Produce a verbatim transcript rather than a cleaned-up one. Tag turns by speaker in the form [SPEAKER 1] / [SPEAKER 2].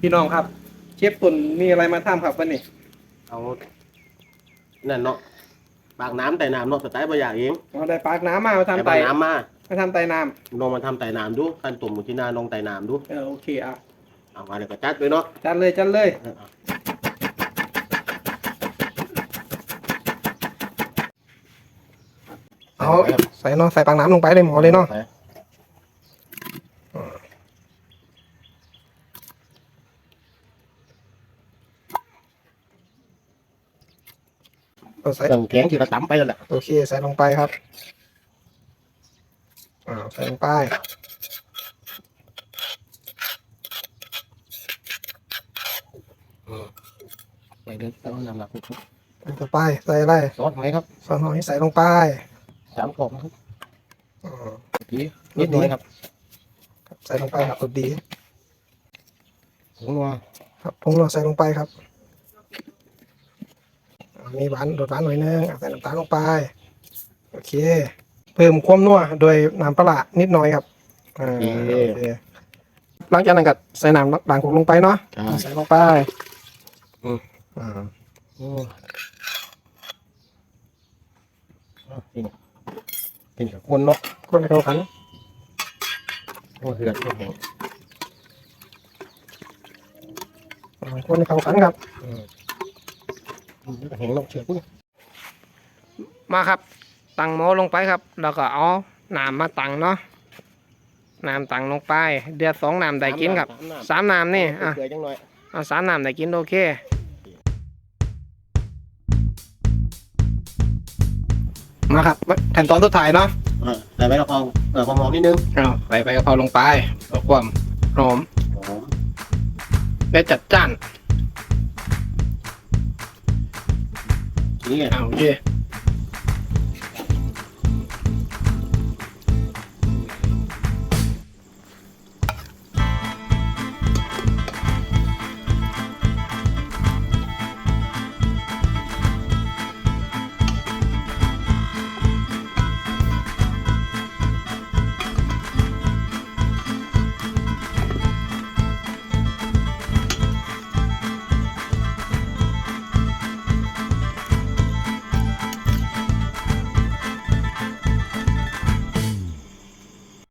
[SPEAKER 1] พี่น้องครับเชฟตุ่นมีอะไรมาทำครับวันนี้
[SPEAKER 2] เอานั่นเนาะปากน้ำไต่น้ำเนาะสไตล์บะหยางเอง
[SPEAKER 1] เราได้ปากน้ำมามาทำไต่
[SPEAKER 2] ปากน้ำมา
[SPEAKER 1] มาทำไต่น้
[SPEAKER 2] ลองมาทำไต่น้ำดูขั้นตุ่มที่นาลองไต่น้ำดู
[SPEAKER 1] ำเออโอเคอ่ะ
[SPEAKER 2] เอามาเดี๋ยวก็จัดเลยเนาะ
[SPEAKER 1] จัดเลยจัดเลยเอาใส่เนาะใส่ปากน้ำลงไปเลยหมอเลยเนาะใส่
[SPEAKER 2] เครื่องแกงที่เราตำไปแล้วแหละ
[SPEAKER 1] โอเคใส่ลงไปครับอ่าใส่ลงไป
[SPEAKER 2] ใส่เดือดแล้วน้ำหลัก
[SPEAKER 1] ต่อไปใส่อะไร
[SPEAKER 2] ซอสหอยครับ
[SPEAKER 1] ซอสหอยใส่ลงไป
[SPEAKER 2] สามกล่องครับ
[SPEAKER 1] ดี
[SPEAKER 2] นิดหน่อยครับ
[SPEAKER 1] ใส่ลงไปครับดี
[SPEAKER 2] ผงนัว
[SPEAKER 1] ครับผงนัวใส่ลงไปครับมีหวานโดดหวานหน่อยนึงใส่น้ำตาลลงไปโอเคเพิ่มความนัวโดยน้ำปลานิดหน่อยครับอ่าโอเคหลังจากนั้นก็ใส่น้ำด่างกลงไปเนาะใส่ลงไปอืมอ่า
[SPEAKER 2] โอ้เป็นกับคนเนาะ
[SPEAKER 1] คนให้เข้ากัน
[SPEAKER 2] โอ้เหือดแห้ง
[SPEAKER 1] คนให้เข้ากันครับ
[SPEAKER 2] แห้งลงเชือก
[SPEAKER 1] มาครับตังหม้อลงไปครับแล้วก็เอาน้ำมาตังเนาะน้ำตังลงไปเดือดสองน้ำได้กินครับสามน้ำนี่อ่ะเอาสามน้ำได้กินโอเคมาครับขั้นตอนสุดท้ายเนาะ
[SPEAKER 2] ใส่ใบกะเพราเออความหอมนิดนึง
[SPEAKER 1] เอาใส่ใบกะเพราลงไปเพื่อความหอมและจัดจ้าน
[SPEAKER 2] นี่ไง
[SPEAKER 1] โอเค